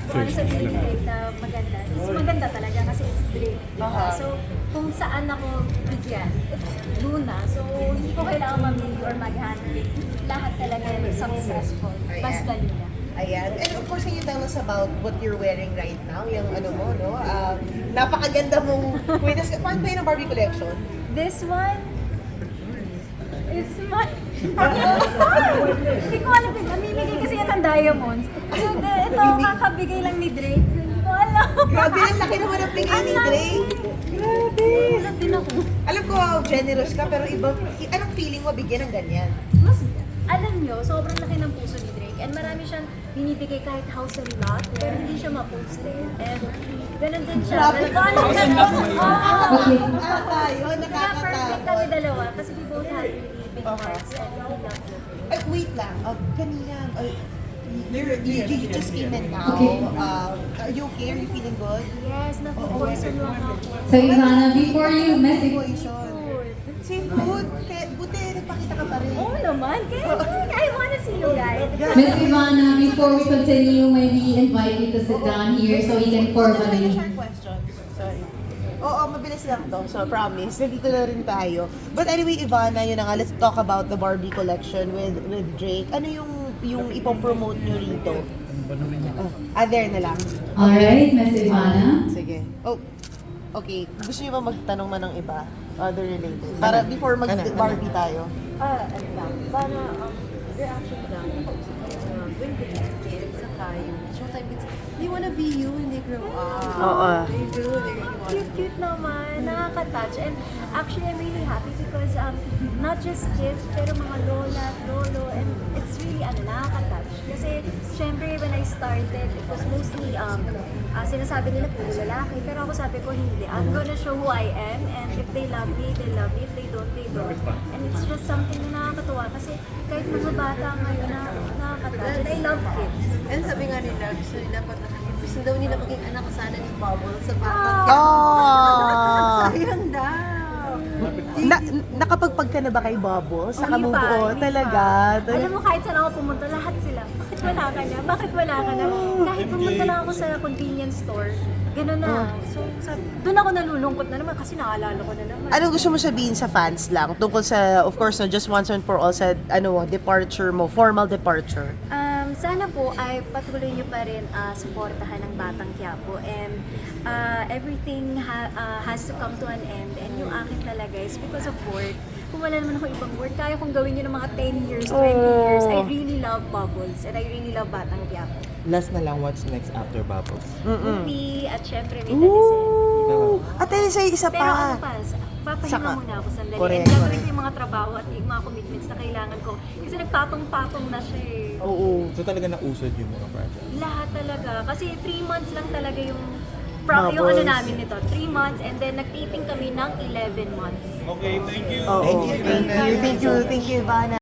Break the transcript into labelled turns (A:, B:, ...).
A: Kung ano sabihin ni Drake na maganda, is maganda talaga kasi it's Drake. Diba? So, kung saan ako bigyan, it's Luna. So, hindi ko kailangan mamili or mag-handle. Lahat talaga successful. Basta Luna.
B: Ayan. And of course, can you tell us about what you're wearing right now? Yung ano mo, no? Napakaganda mong kwintas. Part ba yun ng Barbie collection?
A: This one is my... Hindi ko alam. Namimigay kasi yan ng diamonds. So, ito, kakabigay lang ni Drake. Hindi ko alam.
B: Grabe, ang laki naman ang bigay ni Drake. Grabe.
A: Alam din ako.
B: Alam ko, generous ka, pero iba, anong feeling mo bigyan ng ganyan?
A: Mas, alam nyo, sobrang laki ng puso ni Drake. And marami siyang binibigay kahit house and lot, pero hindi siya ma-posted. And ganun din siya.
B: Grabe.
A: Okay.
B: Tayo,
A: Kaya perfect
B: nakakatakot.
A: kami dalawa kasi we both have really big hearts and we love you.
B: Ay, wait lang. Kanina, you just came in now.
C: Okay.
B: Are you okay? Are you feeling good?
A: Yes, naku-poison lang ako.
C: So Ivana, before you message,
B: Poison. Seafood. Buti, nagpakita ka pa rin.
A: Oo naman, kaya I wanna see you guys.
C: Miss Ivana, before we continue, may we invite you to sit down here so we can formally.
B: Short question. Sorry. Oo, mabilis lang to. So, promise. Nandito na rin tayo. But anyway, Ivana, yun na nga. Let's talk about the Barbie collection with Drake. Ano yung ipopromote nyo rito? There na lang.
C: Alright, Miss Ivana.
B: Sige. Oh, okay. Gusto niyo ba magtanong man ng iba? Other related. Para before mag-Barbie tayo.
D: Ano lang, para reaction lang, nakausap ko yung mga when kids, saka yung showtime kids, they wanna be you when they grow up.
B: Oo.
D: They do, they really want to.
A: Cute naman, nakaka-touch. And actually, I'm really happy because not just kids, pero mga lola, lolo, and it's really nakaka-touch. Kasi, syempre, when I started, it was mostly, sinasabi nila puro lalaki, pero ako sabi ko, hindi. I'm gonna show who I am, and if they love me, they love me. If they don't, they don't. And it's just something na nakakatuwa kasi kahit mga bata ngayon nakaka-touch. And I love kids.
D: And sabi nga nila, gusto daw nila maging anak sana ni Bubbles sa batang
B: Oh!
D: Sayang daw.
B: Nakapagpag ka na ba kay Bubbles? Sa
A: Hindi pa,
B: kamubuo?
A: hindi
B: Talaga?
A: pa. Alam mo, kahit saan ako pumunta, lahat sila. Bakit wala ka na? Bakit wala ka na? Kahit pumunta lang ako sa convenience store, gano'n na. So, doon ako nalulungkot na naman kasi naalala ko na naman.
B: Anong gusto mo sabihin sa fans lang? Tungkol sa, of course, just once and for all sa departure mo, formal departure.
A: Sana po ay patuloy niyo pa rin suportahan ng Batang Quiapo and everything has to come to an end and yung akin talaga is because of work. Kung wala naman ako ibang work, kaya kong gawin yun ng mga 10 years, 20 years. I really love Bubbles and I really love Batang Quiapo.
E: Last na lang, what's next after Bubbles?
A: Movie at syempre may talisin.
B: At ayun sa isa
A: Pero ano
B: pa.
A: pa, papahinga muna ako sandali.
B: Correct,
A: And gagawin
B: correct.
A: ko yung mga trabaho at yung mga commitments na kailangan ko. Kasi nagpatong-patong na siya eh.
B: Oo.
E: So talaga nausod yung mga project?
A: Lahat talaga. Kasi 3 months lang talaga yung
B: Bubbles.
A: yung ano namin nito. 3 months and then nag-taping kami ng 11 months.
E: Okay, thank you.
B: Oo. Thank you, Ivana.